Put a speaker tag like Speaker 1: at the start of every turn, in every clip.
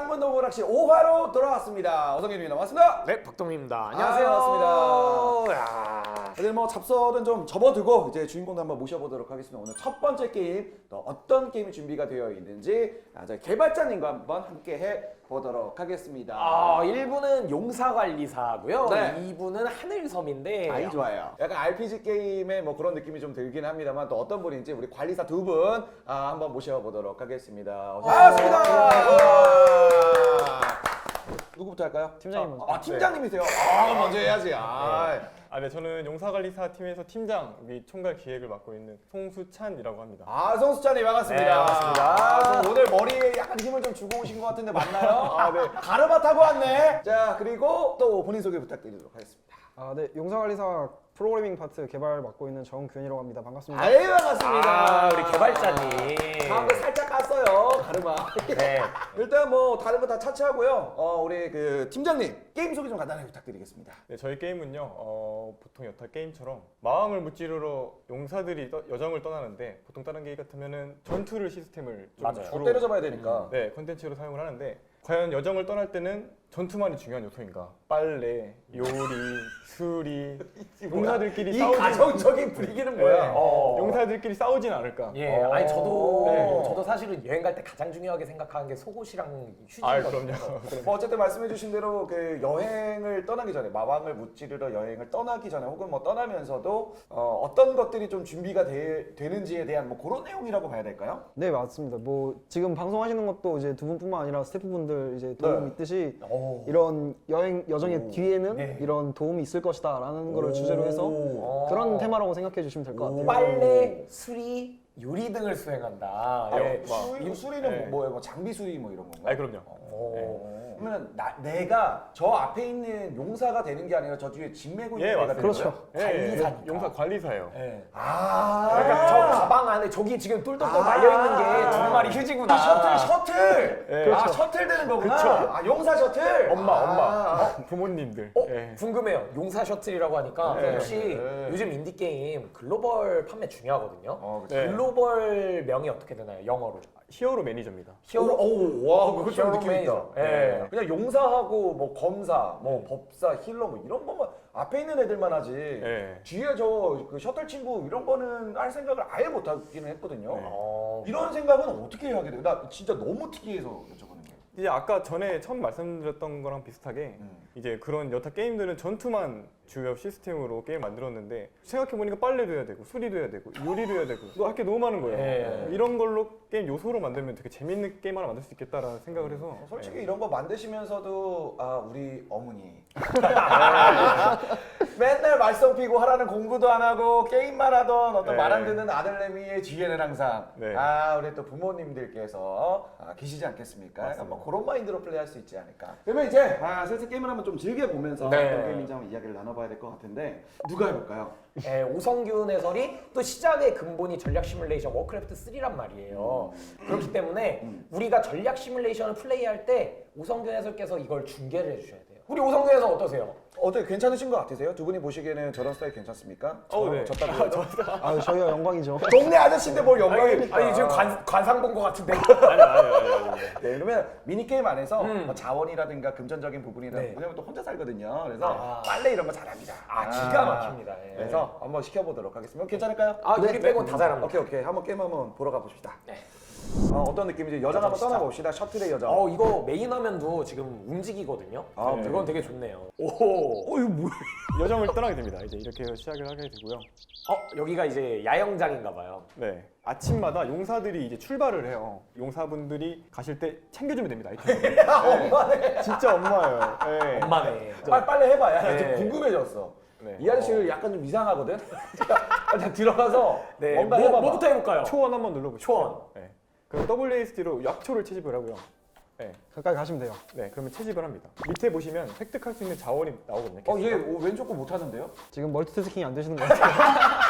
Speaker 1: 창문도 오락실 5화로 돌아왔습니다. 어성현님이 나왔습니다.
Speaker 2: 네, 박동민입니다. 안녕하세요.
Speaker 1: 반갑습니다.
Speaker 2: 야.
Speaker 1: 다들 뭐 잡설은 좀 접어두고 이제 주인공도 한번 모셔보도록 하겠습니다. 오늘 첫 번째 게임 또 어떤 게임이 준비가 되어 있는지 저희 개발자님과 한번 함께 해보도록 하겠습니다.
Speaker 2: 1부는 용사관리사고요.
Speaker 1: 네.
Speaker 2: 2부는 하늘섬인데.
Speaker 1: 아이 좋아요. 약간 RPG 게임의 뭐 그런 느낌이 좀 들긴 합니다만 또 어떤 분인지 우리 관리사 두 분 한번 모셔보도록 하겠습니다. 반갑습니다. 누구부터 할까요?
Speaker 3: 팀장님 먼저.
Speaker 1: 팀장님이세요. 먼저 해야지.
Speaker 3: 네, 저는 용사관리사 팀에서 팀장 및 총괄 기획을 맡고 있는 송수찬이라고 합니다.
Speaker 1: 송수찬님 반갑습니다.
Speaker 2: 네, 반갑습니다.
Speaker 1: 오늘 머리에 약간 힘을 좀 주고 오신 것 같은데 맞나요? 네. 가르마 타고 왔네. 자, 그리고 또 본인 소개 부탁드리도록 하겠습니다.
Speaker 3: 네, 용사관리사 프로그래밍 파트 개발 맡고 있는 정균이라고 합니다. 반갑습니다.
Speaker 1: 아유, 반갑습니다.
Speaker 2: 우리 개발자님.
Speaker 1: 다음에 살짝 깠어요, 가르마.
Speaker 2: 네.
Speaker 1: 일단 뭐 다른 거 다 차치하고요. 우리 그 팀장님 게임 소개 좀 간단하게 부탁드리겠습니다.
Speaker 3: 네, 저희 게임은요, 보통 여타 게임처럼 마왕을 무찌르러 용사들이 여정을 떠나는데 보통 다른 게임 같으면은 전투를 시스템을 좀
Speaker 2: 맞아요.
Speaker 3: 주로
Speaker 1: 때려잡아야 되니까.
Speaker 3: 네, 콘텐츠로 사용을 하는데 과연 여정을 떠날 때는 전투만이 중요한 요소인가? 빨래, 요리, 수리, 용사들끼리
Speaker 1: 이
Speaker 3: 싸우지
Speaker 1: 가정적인 분위기는 뭐야?
Speaker 3: 네.
Speaker 2: 어.
Speaker 3: 용사들끼리 싸우진 않을까?
Speaker 2: 예, 아니
Speaker 3: 네.
Speaker 2: 저도 사실은 여행 갈 때 가장 중요하게 생각하는 게 속옷이랑
Speaker 3: 아,
Speaker 2: 휴지거든요.
Speaker 3: 그럼요.
Speaker 1: 뭐 어쨌든 말씀해주신 대로 그 여행을 떠나기 전에 마왕을 무찌르러 여행을 떠나기 전에 혹은 뭐 떠나면서도 어떤 것들이 좀 준비가 되는지에 대한 뭐 그런 내용이라고 봐야 될까요?
Speaker 4: 네, 맞습니다. 뭐 지금 방송하시는 것도 이제 두 분뿐만 아니라 스태프분들 이제 도움
Speaker 1: 네.
Speaker 4: 있듯이
Speaker 2: 오.
Speaker 4: 이런 여정의 뒤에는
Speaker 2: 네.
Speaker 4: 이런 도움이 있을 것이다라는 거를 주제로 해서 그런 테마라고 생각해 주시면 될 것 같아요.
Speaker 2: 빨래, 수리, 요리 등을 수행한다. 예.
Speaker 1: 수리는
Speaker 3: 네.
Speaker 1: 뭐예요? 뭐 장비 수리 뭐 이런 건가요?
Speaker 3: 아니 그럼요.
Speaker 1: 그러면 내가 저 앞에 있는 용사가 되는 게 아니라 저 뒤에 짐 메고 있는
Speaker 3: 예,
Speaker 1: 애가
Speaker 3: 맞습니다.
Speaker 1: 되는
Speaker 4: 그렇죠.
Speaker 1: 거예요?
Speaker 2: 관리사니까.
Speaker 3: 용사 관리사예요.
Speaker 2: 예.
Speaker 1: 아,
Speaker 2: 그러니까 저 가방 안에 저기 지금 똘똘똘 말려 있는 게 두 마리 휴지구나.
Speaker 1: 셔틀.
Speaker 3: 예.
Speaker 1: 그렇죠. 셔틀 되는 거구나.
Speaker 3: 그쵸.
Speaker 1: 용사 셔틀.
Speaker 3: 엄마, 부모님들. 예.
Speaker 2: 궁금해요. 용사 셔틀이라고 하니까
Speaker 3: 네.
Speaker 2: 혹시
Speaker 1: 네.
Speaker 2: 요즘 인디 게임 글로벌 판매 중요하거든요.
Speaker 3: 네.
Speaker 2: 글로벌 명이 어떻게 되나요? 영어로.
Speaker 3: 히어로 매니저입니다.
Speaker 1: 와, 그거 좀 느낌 있다.
Speaker 2: 매니저. 예.
Speaker 1: 그냥 용사하고 뭐 검사, 뭐 법사, 힐러 뭐 이런 것만 앞에 있는 애들만 하지.
Speaker 3: 예.
Speaker 1: 뒤에 저 그 셔틀 친구 이런 거는 할 생각을 아예 못 하기는 했거든요.
Speaker 3: 네.
Speaker 1: 이런 생각은 어떻게 하게 돼요? 나 진짜 너무 특이해서 여쭤보는 게.
Speaker 3: 이제 아까 전에 처음 말씀드렸던 거랑 비슷하게 이제 그런 여타 게임들은 전투만 주요 시스템으로 게임 만들었는데 생각해보니까 빨래도 해야 되고 수리도 해야 되고 요리도 해야 되고 할 게 너무 많은 거예요.
Speaker 2: 예.
Speaker 3: 이런 걸로 게임 요소로 만들면 되게 재밌는 게임 하나 만들 수 있겠다라는 생각을 해서
Speaker 1: 솔직히 이런 거 만드시면서도 우리 어머니 맨날 말썽 피고 하라는 공부도 안 하고 게임만 하던 어떤
Speaker 3: 네.
Speaker 1: 말 안 듣는 아들내미의 뒤에는 항상
Speaker 3: 네.
Speaker 1: 우리 또 부모님들께서 계시지 않겠습니까? 약간 뭐 그런 마인드로 플레이할 수 있지 않을까. 그러면 이제 슬슬 게임을 한번 좀 즐겨보면서
Speaker 2: 네.
Speaker 1: 어떤 게임인지 한번 이야기를 나눠봐야 될 것 같은데 누가 해볼까요?
Speaker 2: 예, 오성균 해설이 또 시작의 근본이 전략 시뮬레이션 워크래프트 3란 말이에요. 그렇기 때문에 우리가 전략 시뮬레이션을 플레이할 때 오성균 해설께서 이걸 중계를 해주셔야 돼요. 우리 오성균 해설 어떠세요?
Speaker 1: 어떻게 괜찮으신 것 같으세요? 두 분이 보시기에는 저런 스타일 괜찮습니까?
Speaker 3: 네.
Speaker 1: 졌다고요?
Speaker 4: 저희가 영광이죠.
Speaker 1: 동네 아저씨인데 뭘 영광입니까?
Speaker 2: 아니 지금 관상 본 것 같은데.
Speaker 3: 아니.
Speaker 1: 네, 그러면 미니게임 안에서 뭐 자원이라든가 금전적인 부분이라든가
Speaker 2: 네.
Speaker 1: 왜냐면 또 혼자 살거든요. 그래서 빨래 이런 거 잘합니다.
Speaker 2: 기가 막힙니다. 예.
Speaker 1: 그래서 한번 시켜보도록 하겠습니다. 괜찮을까요?
Speaker 2: 요리 빼곤 다 잘합니다.
Speaker 1: 오케이. 한번 게임 한번 보러 가봅시다. 어떤 느낌인지 여정 한번
Speaker 2: 시작.
Speaker 1: 떠나봅시다. 셔틀의 여정.
Speaker 2: 이거 메인 화면도 지금 움직이거든요.
Speaker 1: 네.
Speaker 2: 그건 되게 좋네요. 오.
Speaker 1: 이거 뭐야?
Speaker 3: 여정을 떠나게 됩니다. 이제 이렇게 해서 시작을 하게 되고요.
Speaker 2: 여기가 이제 야영장인가 봐요.
Speaker 3: 네. 아침마다 용사들이 이제 출발을 해요. 용사분들이 가실 때 챙겨주면 됩니다. 아이템.
Speaker 1: 엄마네.
Speaker 3: 진짜 엄마예요. 네.
Speaker 2: 엄마네.
Speaker 1: 빨리 해봐. 나 지금
Speaker 2: 네.
Speaker 1: 궁금해졌어.
Speaker 3: 네.
Speaker 1: 이 아저씨 약간 좀 이상하거든? 일단 들어가서
Speaker 2: 네.
Speaker 1: 뭔가 해봐봐.
Speaker 2: 뭐부터 해볼까요?
Speaker 3: 초원 한번 눌러보시죠.
Speaker 2: 초원.
Speaker 3: 네. 그럼 WASD로 약초를 채집을 하고요. 네.
Speaker 4: 가까이 가시면 돼요.
Speaker 3: 네. 그러면 채집을 합니다. 밑에 보시면 획득할 수 있는 자원이 나오거든요.
Speaker 1: 얘 왼쪽 거 못하는데요?
Speaker 4: 지금 멀티태스킹이 안 되시는 것 같아요.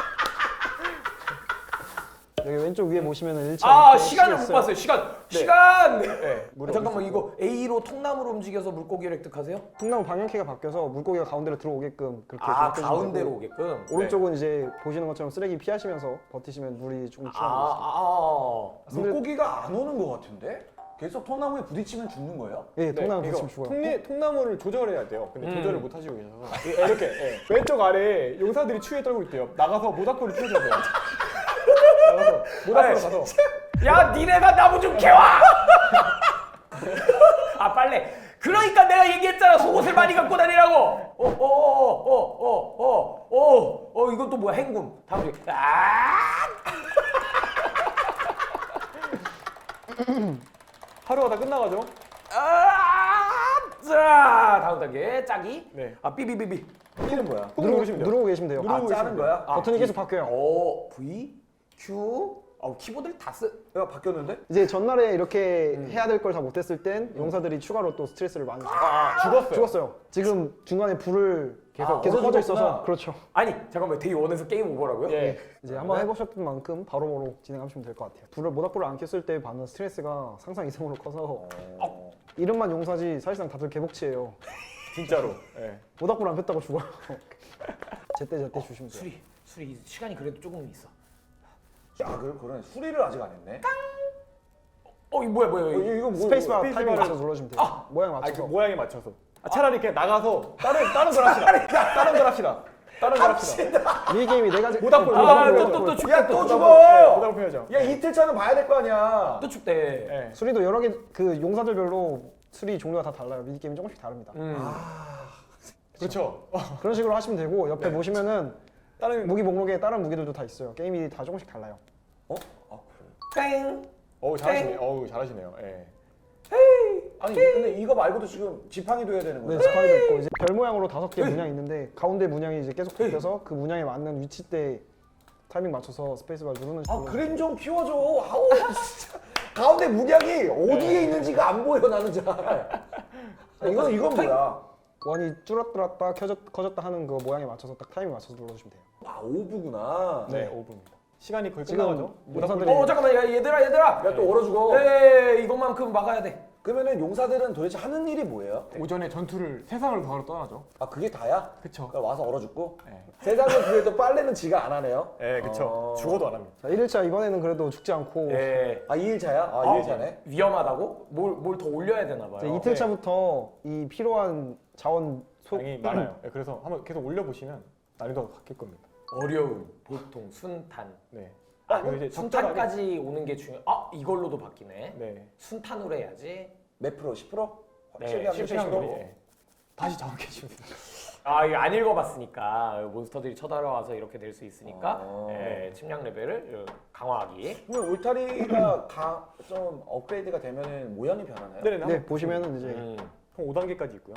Speaker 4: 여기 왼쪽 위에 보시면은 1차
Speaker 2: 시간을 못 봤어요. 시간.
Speaker 3: 네.
Speaker 2: 잠깐만 이거 A로 통나무로 움직여서 물고기를 획득하세요?
Speaker 4: 통나무 방향키가 바뀌어서 물고기가 가운데로 들어오게끔 그렇게 조작해 주시면
Speaker 2: 가운데로
Speaker 4: 되고,
Speaker 2: 오게끔.
Speaker 4: 오른쪽은 이제 보시는 것처럼 쓰레기 피하시면서 버티시면 물이 조금 줄어들어요.
Speaker 1: 물고기가 안 오는 것 같은데? 계속 통나무에 부딪히면 죽는 거예요?
Speaker 4: 예, 통나무
Speaker 3: 네,
Speaker 4: 붙이면
Speaker 3: 이거
Speaker 4: 죽어요.
Speaker 3: 통나무를 조절해야 돼요. 근데 조절을 못 하시고 계셔서 이렇게 왼쪽 아래 용사들이 추위에 떨고 있대요. 나가서 모닥불을 피워줘야 돼요. 나가서 모닥불 가서
Speaker 2: 야 니네가 나무 좀 캐와. 아 빨래. 그러니까 내가 얘기했잖아 속옷을 많이 갖고 다니라고. 이건 또 뭐야 행군. 다음 주.
Speaker 3: 하루가 다 끝나가죠.
Speaker 2: 자 다음 단계 짜기.
Speaker 3: 네.
Speaker 2: 아 삐삐삐삐.
Speaker 1: 이는 뭐야?
Speaker 3: 꾹 누르시면 돼요.
Speaker 4: 누르고 계시면 돼요.
Speaker 3: 누르고
Speaker 1: 짜는 거야?
Speaker 4: 버튼이 계속 바뀌어요.
Speaker 2: O V Q. 키보드를 다 쓰.
Speaker 1: 야 바뀌었는데?
Speaker 4: 이제 전날에 이렇게 해야 될 걸 다 못했을 땐 용사들이 추가로 또 스트레스를 많이 죽었어요. 지금 중간에 불을 계속 꺼져
Speaker 1: 꺼졌구나.
Speaker 4: 있어서 그렇죠.
Speaker 2: 아니 잠깐만 데이 원에서 게임 오버라고요?
Speaker 3: 예.
Speaker 4: 이제 한번 해보셨던 만큼 바로바로 진행하시면 될 것 같아요. 모닥불을 안 켰을 때 받는 스트레스가 상상 이상으로 커서 이름만 용사지 사실상 다들 개복치예요.
Speaker 3: 진짜로. 예.
Speaker 4: 모닥불 안 폈다고 죽어요. 제때 주시면 돼요.
Speaker 2: 술이 시간이 그래도 조금 있어.
Speaker 1: 야 그러네. 수리를 아직 안 했네.
Speaker 2: 이거 뭐야 이거.
Speaker 1: 이거 뭐?
Speaker 4: 스페이스바 타이밍
Speaker 3: 스페이스바를-
Speaker 4: 맞춰서 눌러주면 돼요. 모양
Speaker 3: 그
Speaker 4: 맞춰서.
Speaker 3: 모양에 맞춰서. 차라리 그냥 나가서 다른 걸 합시다. 다른 걸 합시다. 다른 걸 합시다.
Speaker 4: 미니게임이 네 가지.
Speaker 3: 모닥불.
Speaker 2: 또 춥대.
Speaker 1: 야 또
Speaker 3: 네,
Speaker 1: 죽어.
Speaker 3: 모닥불 펴야죠.
Speaker 1: 야 이틀 차는 봐야 될 거 아니야.
Speaker 2: 또 춥대.
Speaker 3: 예.
Speaker 4: 수리도 여러 개 그 용사들별로 수리 종류가 다 달라요. 미니게임이 조금씩 다릅니다.
Speaker 3: 그렇죠.
Speaker 4: 그런 식으로 하시면 되고 옆에 보시면은
Speaker 3: 다른
Speaker 4: 무기 목록에 다른 무기들도 다 있어요. 게임이 다 조금씩 달라요.
Speaker 2: 땡.
Speaker 3: 잘하시네요. 잘하시네요. 예.
Speaker 1: 아니 근데 이거 말고도 지금 지팡이도 해야 되는
Speaker 4: 네,
Speaker 1: 거야?
Speaker 4: 지팡이도 있고 이제 별 모양으로 5개 문양이 있는데 가운데 문양이 이제 계속 바뀌어서 그 문양에 맞는 위치대 타이밍 맞춰서 스페이스바를 누르는 식으로.
Speaker 1: 그림 좀 키워줘. 아우 진짜. 가운데 문양이 어디에 있는지가 안 보여 나는 잘. 이건 뭐야?
Speaker 4: 원이 줄었다 커졌다 하는 그 모양에 맞춰서 딱 타이밍 맞춰서 눌러주시면 돼요.
Speaker 1: 아 오브구나.
Speaker 3: 네, 5분입니다. 시간이 거의
Speaker 4: 지금
Speaker 3: 끝나가죠.
Speaker 4: 용사들이
Speaker 2: 잠깐만 야 얘들아.
Speaker 1: 야 또 얼어 죽어.
Speaker 2: 이것만큼 막아야 돼.
Speaker 1: 그러면은 용사들은 도대체 하는 일이 뭐예요?
Speaker 3: 오전에 전투를 세상을 바로 떠나죠.
Speaker 1: 아 그게 다야?
Speaker 3: 그쵸.
Speaker 1: 그러니까 와서 얼어 죽고?
Speaker 3: 네.
Speaker 1: 세상은 그래도 빨래는 지가 안 하네요.
Speaker 3: 예, 그쵸. 죽어도 안 합니다.
Speaker 4: 자, 1일차 이번에는 그래도 죽지 않고
Speaker 1: 아 2일차야? 아 2일차네.
Speaker 2: 위험하다고? 뭘 더 올려야 되나 봐요.
Speaker 4: 이제 이틀차부터 이 필요한 자원
Speaker 3: 양이 많아요. 예, 그래서 한번 계속 올려보시면 난이도가 바뀔 겁니다.
Speaker 2: 어려움, 보통, 순탄.
Speaker 3: 네.
Speaker 2: 그리고
Speaker 3: 이제
Speaker 2: 순탄까지 오는 게 중요. 이걸로도 바뀌네.
Speaker 3: 네.
Speaker 2: 순탄으로 해야지.
Speaker 1: 몇 프로? 10%?
Speaker 2: 네,
Speaker 1: 확실히 하면
Speaker 3: 실패한
Speaker 1: 10%?
Speaker 3: 거리. 예. 다시 정확해 주세요.
Speaker 2: 이거 안 읽어봤으니까 몬스터들이 쳐들어와서 이렇게 될 수 있으니까 침략 레벨을 강화하기.
Speaker 1: 그러면 울타리가 좀 업그레이드가 되면은 모양이 변하나요?
Speaker 4: 네 보시면은 이제
Speaker 3: 총 5단계까지 있고요.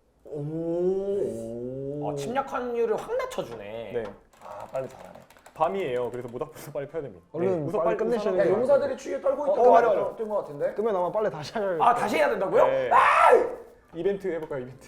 Speaker 2: 침략 확률을 확 낮춰주네.
Speaker 3: 네.
Speaker 1: 아 빨리 잘하네.
Speaker 3: 밤이에요. 그래서 모닥불도 빨리 펴야 됩니다.
Speaker 4: 얼른
Speaker 3: 우선
Speaker 4: 빨리 끝내셔야
Speaker 1: 야
Speaker 4: 돼요.
Speaker 1: 용사들이 추위에 떨고 있던
Speaker 3: 맞아.
Speaker 1: 거 같은데?
Speaker 4: 끄면 아마 빨리 다시 할.
Speaker 2: 다시 해야 된다고요?
Speaker 3: 네. 이벤트 해볼까요? 이벤트.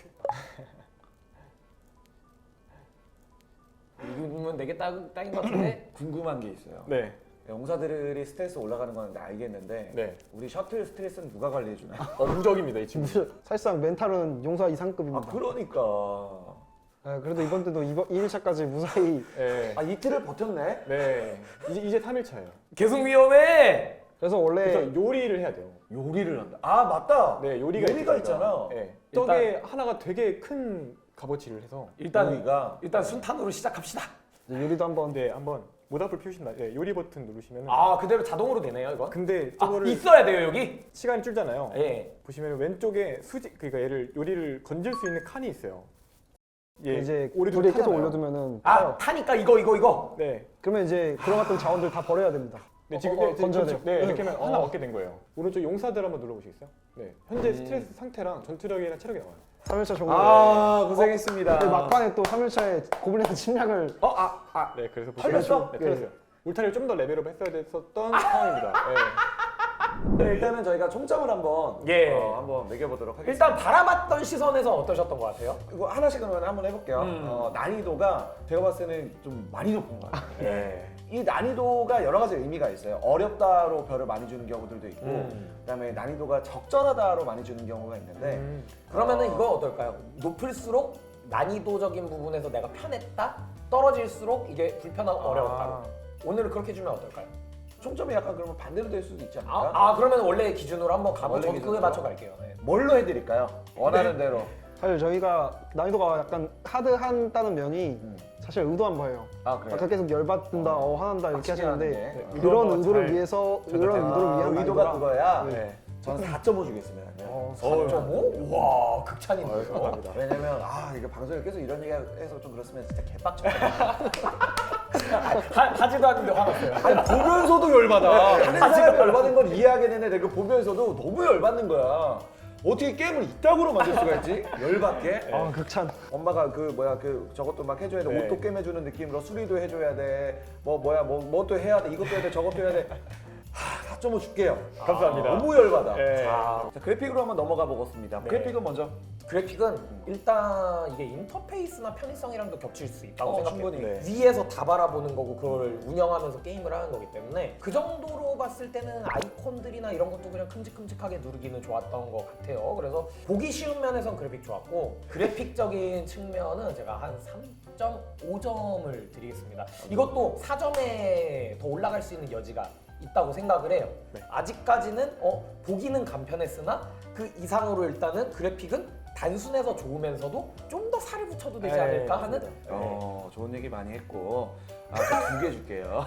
Speaker 2: 이거면 내게 딱인 것 같은데?
Speaker 1: 궁금한 게 있어요.
Speaker 3: 네.
Speaker 1: 용사들이 스트레스 올라가는 건 알겠는데
Speaker 3: 네.
Speaker 1: 우리 셔틀 스트레스는 누가 관리해 주나요?
Speaker 3: 무적입니다, 이 친구.
Speaker 4: 사실상 멘탈은 용사 이상급입니다.
Speaker 1: 그러니까.
Speaker 4: 그래도 이번 때도 2일차까지 무사히.
Speaker 3: 네.
Speaker 1: 이틀을 버텼네.
Speaker 3: 네. 이제 3일차예요.
Speaker 2: 계속 위험해!
Speaker 4: 그래서 원래
Speaker 3: 그래서 요리를 해야 돼요.
Speaker 1: 요리를 한다. 아 맞다.
Speaker 3: 네, 요리가
Speaker 1: 있잖아.
Speaker 3: 네.
Speaker 2: 일단-
Speaker 3: 떡에 하나가 되게 큰 값어치를 해서
Speaker 2: 일단 순탄으로 시작합시다.
Speaker 4: 이제 요리도 한번.
Speaker 3: 네, 한번 모닥불 피우신다. 네, 요리 버튼 누르시면
Speaker 2: 그대로 자동으로 되네요, 이거?
Speaker 3: 근데 저거를
Speaker 2: 있어야 돼요, 여기?
Speaker 3: 시간이 줄잖아요.
Speaker 2: 예.
Speaker 3: 보시면 왼쪽에 그러니까 얘를 요리를 건질 수 있는 칸이 있어요. 예,
Speaker 4: 이제
Speaker 3: 오리도
Speaker 4: 불에 계속
Speaker 3: 타잖아요.
Speaker 4: 올려두면은 타요.
Speaker 2: 타니까 이거.
Speaker 3: 네.
Speaker 4: 그러면 이제 들어갔던 자원들 다 버려야 됩니다.
Speaker 3: 네, 지금
Speaker 4: 건져야
Speaker 3: 그렇죠.
Speaker 4: 돼요.
Speaker 3: 네, 이렇게 하면 하나 얻게 된 거예요. 오른쪽 용사들 한번 눌러보시겠어요? 네, 현재 스트레스 상태랑 전투력이랑 체력이 나와요.
Speaker 4: 3일차 종료.
Speaker 1: 고생했습니다.
Speaker 4: 막판에 또 3일차에 고블린의 침략을.
Speaker 3: 네, 그래서
Speaker 1: 털렸어?
Speaker 3: 네, 털렸어요. 울타리를 좀 더 레벨업 했어야 됐었던 상황입니다. 네.
Speaker 1: 네, 일단은 저희가 총점을 한번 한번 매겨보도록 하겠습니다.
Speaker 2: 일단 바라봤던 시선에서 어떠셨던 것 같아요?
Speaker 1: 이거 하나씩 그러면 한번 해볼게요. 난이도가 제가 봤을 때는 좀 많이 높은 것 같아요.
Speaker 3: 네.
Speaker 1: 이 난이도가 여러 가지 의미가 있어요. 어렵다로 별을 많이 주는 경우들도 있고, 그다음에 난이도가 적절하다로 많이 주는 경우가 있는데,
Speaker 2: 그러면은 이거 어떨까요? 높을수록 난이도적인 부분에서 내가 편했다? 떨어질수록 이게 불편하고 어려웠다. 오늘은 그렇게 주면 어떨까요?
Speaker 1: 총점이 약간 그러면 반대로 될 수도 있지 않을까?
Speaker 2: 그러면 원래 기준으로 한번 가보죠.
Speaker 1: 원래
Speaker 2: 저도 그거에
Speaker 1: 기준으로?
Speaker 2: 맞춰 갈게요. 네.
Speaker 1: 뭘로 해드릴까요? 원하는 대로.
Speaker 4: 사실 저희가 난이도가 약간 하드한다는 면이 사실 의도한 거예요.
Speaker 1: 아 그래요?
Speaker 4: 아까 계속 열받는다, 화난다 이렇게
Speaker 1: 확실히
Speaker 4: 하시는데
Speaker 1: 하는데.
Speaker 3: 네,
Speaker 4: 그런
Speaker 3: 의도한
Speaker 4: 의도를
Speaker 3: 잘
Speaker 4: 위해서
Speaker 3: 전달돼요.
Speaker 4: 그런 의도를 위한
Speaker 1: 의도가
Speaker 4: 난이도라.
Speaker 1: 그거야.
Speaker 3: 네.
Speaker 1: 저는 4.5 주겠습니다.
Speaker 2: 4.5? 와 극찬인데요.
Speaker 3: 감사합니다.
Speaker 1: 왜냐면 이거 방송에 계속 이런 얘기해서 좀 그렇으면 진짜 개빡쳐.
Speaker 2: 하지도 않는데 화났어요.
Speaker 1: 아니 보면서도 열받아. 하는 사람이 열받는 건 이해하겠는데 내가 보면서도 너무 열받는 거야. 어떻게 게임을 이따구로 만들 수가 있지? 열받게.
Speaker 4: 아 극찬.
Speaker 1: 엄마가 저것도 막 해줘야 돼.
Speaker 3: 네.
Speaker 1: 옷도 꿰매주는 느낌으로 수리도 해줘야 돼. 뭐또 해야 돼. 이것도 해야 돼. 저것도 해야 돼. 4.5 줄게요.
Speaker 3: 감사합니다.
Speaker 1: 너무 열받아.
Speaker 3: 네.
Speaker 1: 자, 그래픽으로 한번 넘어가 보겠습니다.
Speaker 2: 네.
Speaker 1: 그래픽은 먼저.
Speaker 2: 그래픽은 일단 이게 인터페이스나 편의성이랑도 겹칠 수 있다고 생각해요.
Speaker 1: 충분히.
Speaker 3: 네.
Speaker 2: 위에서 다 바라보는 거고 그걸 운영하면서 게임을 하는 거기 때문에 그 정도로 봤을 때는 아이콘들이나 이런 것도 그냥 큼직큼직하게 누르기는 좋았던 것 같아요. 그래서 보기 쉬운 면에선 그래픽 좋았고 그래픽적인 측면은 제가 한 3.5점을 드리겠습니다. 이것도 4점에 더 올라갈 수 있는 여지가 있다고 생각을 해요.
Speaker 3: 네.
Speaker 2: 아직까지는 보기는 간편했으나 그 이상으로 일단은 그래픽은 단순해서 좋으면서도 좀 더 살을 붙여도 되지
Speaker 3: 네,
Speaker 2: 않을까 하는
Speaker 3: 맞습니다.
Speaker 1: 좋은 얘기 많이 했고 두 개 줄게요.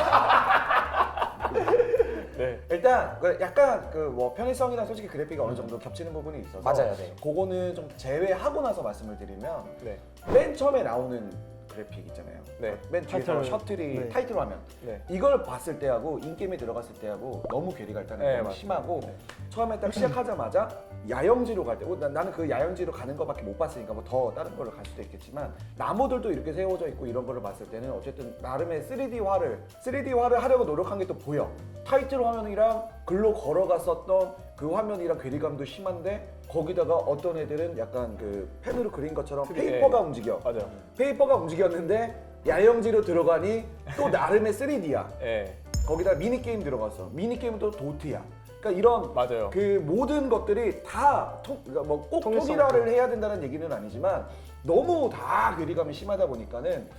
Speaker 3: 네.
Speaker 1: 일단 약간 뭐 편의성이나 솔직히 그래픽이 어느 정도 겹치는 부분이 있어서
Speaker 2: 맞아요, 네.
Speaker 1: 그거는 좀 제외하고 나서 말씀을 드리면
Speaker 3: 네.
Speaker 1: 맨 처음에 나오는 그래픽 있잖아요.
Speaker 3: 네.
Speaker 1: 맨 뒤에서
Speaker 4: 타이틀.
Speaker 1: 셔틀이
Speaker 4: 네.
Speaker 1: 타이틀 화면.
Speaker 3: 네.
Speaker 1: 이걸 봤을 때하고 인게임에 들어갔을 때하고 너무 괴리가 일단은
Speaker 3: 네,
Speaker 1: 너무
Speaker 3: 맞습니다.
Speaker 1: 심하고
Speaker 3: 네.
Speaker 1: 처음에 딱 시작하자마자 야영지로 갈 때 나는 그 야영지로 가는 거밖에 못 봤으니까 뭐 더 다른 걸로 갈 수도 있겠지만 나무들도 이렇게 세워져 있고 이런 거를 봤을 때는 어쨌든 나름의 3D화를 하려고 노력한 게 또 보여. 타이틀 화면이랑 글로 걸어갔었던 그 화면이랑 괴리감도 심한데 거기다가 어떤 애들은 약간 그 펜으로 그린 것처럼 페이퍼가 움직여.
Speaker 3: 맞아요.
Speaker 1: 페이퍼가 움직였는데 야영지로 들어가니 또 나름의 3D야.
Speaker 3: 네.
Speaker 1: 거기다 미니게임 들어갔어. 미니게임은 또 도트야. 그러니까 이런
Speaker 3: 맞아요.
Speaker 1: 그 모든 것들이 다 그러니까 뭐꼭
Speaker 4: 통일성
Speaker 1: 통일화를 해야 된다는 얘기는 아니지만 너무 다 괴리감이 심하다 보니까는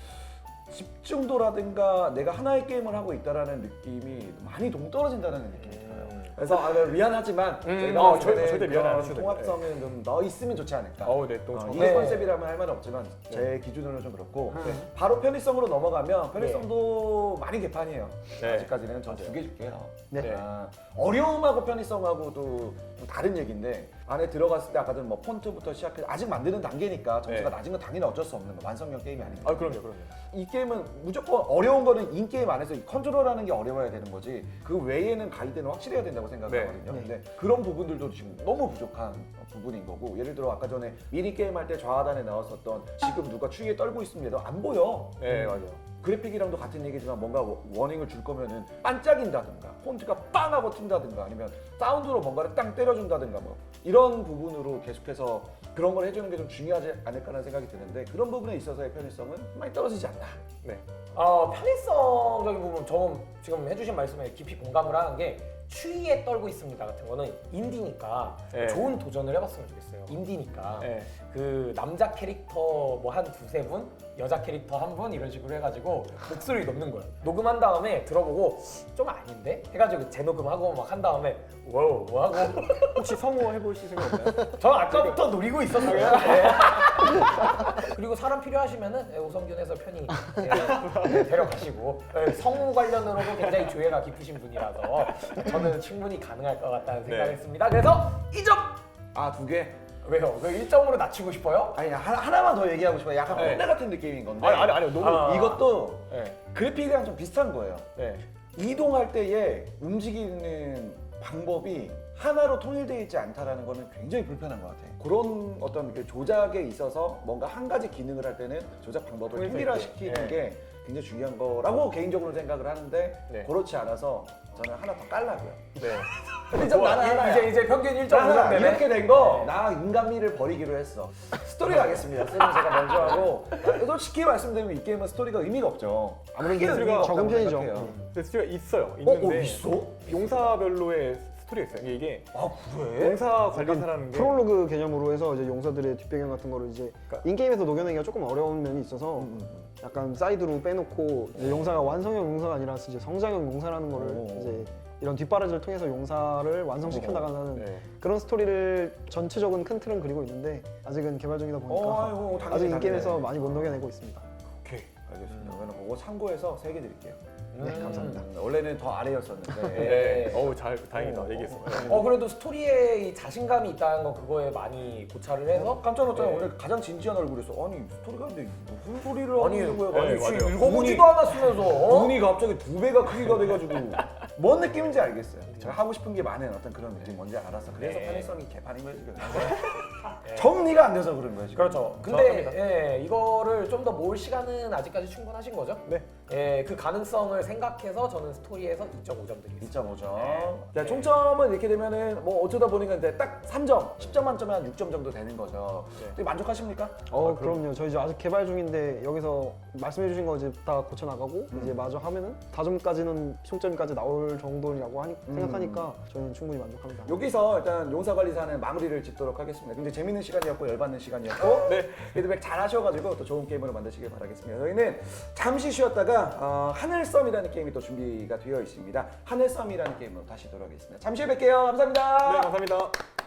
Speaker 1: 집중도라든가 내가 하나의 게임을 하고 있다라는 느낌이 많이 동떨어진다는 느낌이 들어요. 그래서
Speaker 2: 음,
Speaker 1: 미안하지만 저희가
Speaker 3: 절대 미안 안 하셔도 돼요.
Speaker 1: 통합성은 좀 넣어 있으면 좋지 않을까.
Speaker 3: 네. 또
Speaker 1: 이
Speaker 2: 네.
Speaker 1: 컨셉이라면 할 말은 없지만 제 기준으로는 좀 그렇고 바로 편의성으로 넘어가면 편의성도 많이 개판이에요.
Speaker 3: 네.
Speaker 1: 아직까지는 전 두 개 줄게요.
Speaker 3: 네.
Speaker 1: 어려움하고 편의성하고도 좀 다른 얘기인데 안에 들어갔을 때 아까 전 뭐 폰트부터 시작해서 아직 만드는 단계니까 점수가
Speaker 3: 네.
Speaker 1: 낮은 건 당연히 어쩔 수 없는 거 완성형 게임이 아니니까.
Speaker 3: 그럼요.
Speaker 1: 이 게임은 무조건 어려운 거는 인게임 안에서 이 컨트롤하는 게 어려워야 되는 거지 그 외에는 가이드는 확실해야 된다고 생각하거든요.
Speaker 4: 네.
Speaker 1: 근데 그런 부분들도 지금 너무 부족한 부분인 거고 예를 들어 아까 전에 미니게임 할 때 좌하단에 나왔었던 지금 누가 추위에 떨고 있습니다. 안 보여.
Speaker 3: 네, 맞아요.
Speaker 1: 그래픽이랑도 같은 얘기지만 뭔가 워닝을 줄 거면은 반짝인다든가 폰트가 빵 하고 튄다든가 아니면 사운드로 뭔가를 땅 때려준다든가 뭐 이런 부분으로 계속해서 그런 걸 해주는 게 좀 중요하지 않을까라는 생각이 드는데 그런 부분에 있어서의 편의성은 많이 떨어지지 않나.
Speaker 3: 네.
Speaker 2: 편의성적인 부분 저는 지금 해주신 말씀에 깊이 공감을 하는 게 추위에 떨고 있습니다 같은 거는 인디니까
Speaker 3: 네.
Speaker 2: 좋은 도전을 해봤으면 좋겠어요. 인디니까
Speaker 3: 네.
Speaker 2: 그 남자 캐릭터 뭐 한 두세 분, 여자 캐릭터 한 분 이런 식으로 해가지고 목소리 넣는 거예요. 녹음한 다음에 들어보고 좀 아닌데? 해가지고 재녹음하고 막 한 다음에 와우 뭐 하고
Speaker 3: 혹시 성우 해보실 생각 없나요?
Speaker 2: 저는 아까부터 노리고 있었어요. 네. 그리고 사람 필요하시면은 오성균 해설편이 데려가시고 성우 관련으로도 굉장히 조예가 깊으신 분이라서 저는 충분히 가능할 것 같다는 생각했습니다. 그래서 2점!
Speaker 1: 두 개?
Speaker 2: 왜요? 그 1점으로 낮추고 싶어요?
Speaker 1: 아니 하나만 더 얘기하고 싶어요. 약간
Speaker 3: 네.
Speaker 1: 꼰대 같은 느낌인 건데.
Speaker 3: 아니요. 너무.
Speaker 1: 이것도
Speaker 3: 네.
Speaker 1: 그래픽이랑 좀 비슷한 거예요.
Speaker 3: 네.
Speaker 1: 이동할 때에 움직이는 방법이 하나로 통일되어 있지 않다라는 거는 굉장히 불편한 것 같아요. 그런 어떤 그 조작에 있어서 뭔가 한 가지 기능을 할 때는 조작 방법을
Speaker 3: 통일성
Speaker 1: 통일화시키는
Speaker 3: 있게.
Speaker 1: 게 굉장히 중요한 거라고 개인적으로 생각을 하는데
Speaker 3: 네.
Speaker 1: 그렇지 않아서 저는 하나 더 깔라고요.
Speaker 3: 네.
Speaker 1: 근데 좀 나는 하나야.
Speaker 2: 이제 평균 1.5점
Speaker 1: 나는
Speaker 2: 되네.
Speaker 1: 이렇게 된 거 나 인간미를 버리기로 했어. 스토리 가겠습니다. 스토리는 제가 먼저 하고 솔직히 말씀드리면 이 게임은 스토리가 의미가 없죠. 아무런
Speaker 3: 스토리가
Speaker 1: 의미가
Speaker 4: 적은
Speaker 1: 없다고
Speaker 4: 편이죠.
Speaker 1: 생각해요.
Speaker 3: 근데 스토리가 있어요. 있는데
Speaker 1: 있어?
Speaker 3: 용사별로의 스토리가 있어요. 이게
Speaker 1: 그래?
Speaker 3: 용사 관리사라는 게
Speaker 4: 프롤로그 개념으로 해서 이제 용사들의 뒷배경 같은 거를 이제
Speaker 3: 그러니까-
Speaker 4: 인게임에서 녹여내기가 조금 어려운 면이 있어서 약간 사이드로 빼놓고 이제 용사가 완성형 용사가 아니라 이제 성장형 용사라는 거를 이제 이런 뒷바라지를 통해서 용사를 완성시켜 나가는
Speaker 3: 네.
Speaker 4: 그런 스토리를 전체적인 큰 틀은 그리고 있는데 아직은 개발 중이다 보니까
Speaker 1: 아이고, 당연히,
Speaker 4: 아직
Speaker 1: 당연히.
Speaker 4: 인게임에서 많이 못 녹여내고 있습니다.
Speaker 1: 오케이, 알겠습니다. 그러면 그거 참고해서 3개 드릴게요.
Speaker 4: 네, 감사합니다.
Speaker 1: 원래는 더 아래였었는데.
Speaker 2: 네.
Speaker 3: 어우 잘 다행이다 얘기했어.
Speaker 2: 그래도 스토리에 이 자신감이 있다는 건 그거에 많이 고찰을 해서
Speaker 1: 깜짝 놀랐잖아요.
Speaker 2: 네.
Speaker 1: 오늘 가장 진지한 얼굴이었어. 아니 스토리가 근데 무슨 소리를
Speaker 2: 아니,
Speaker 1: 하는 거야?
Speaker 3: 네,
Speaker 1: 지금
Speaker 3: 맞아요.
Speaker 2: 읽어보지도 않았으면서
Speaker 1: 눈이 갑자기 2배가 크기가 돼가지고 뭔 느낌인지 알겠어요. 제가 하고 싶은 게 많은 어떤 그런 느낌 뭔지 알아서 그래서
Speaker 2: 네.
Speaker 1: 편의성이 개판인 거예요 지금. 정리가 안 돼서 그런 거예요 지금.
Speaker 2: 그렇죠. 근데 예, 이거를 좀 더 모을 시간은 아직까지 충분하신 거죠?
Speaker 3: 네.
Speaker 2: 예, 그 가능성을 생각해서 저는 스토리에서 2.5점 드리겠습니다.
Speaker 1: 2.5점. 자, 총점은 이렇게 되면은 뭐 어쩌다 보니까 이제 딱 3점, 10점 만점에 한 6점 정도 되는 거죠. 되게 만족하십니까?
Speaker 4: 그럼요. 저희 이제 아직 개발 중인데 여기서 말씀해주신 거 이제 다 고쳐 나가고 이제 마저 하면은 4점까지는 총점까지 나올 정도라고 생각하니까 저는 충분히 만족합니다.
Speaker 1: 여기서 일단 용사관리사는 마무리를 짓도록 하겠습니다. 굉장히 재밌는 시간이었고 열받는 시간이었고
Speaker 3: 네.
Speaker 1: 피드백 잘 하셔가지고 또 좋은 게임으로 만드시길 바라겠습니다. 저희는 잠시 쉬었다가 하늘섬이라는 게임이 또 준비가 되어 있습니다. 하늘섬이라는 게임으로 다시 돌아오겠습니다. 잠시 후에 뵐게요. 감사합니다.
Speaker 3: 네 감사합니다.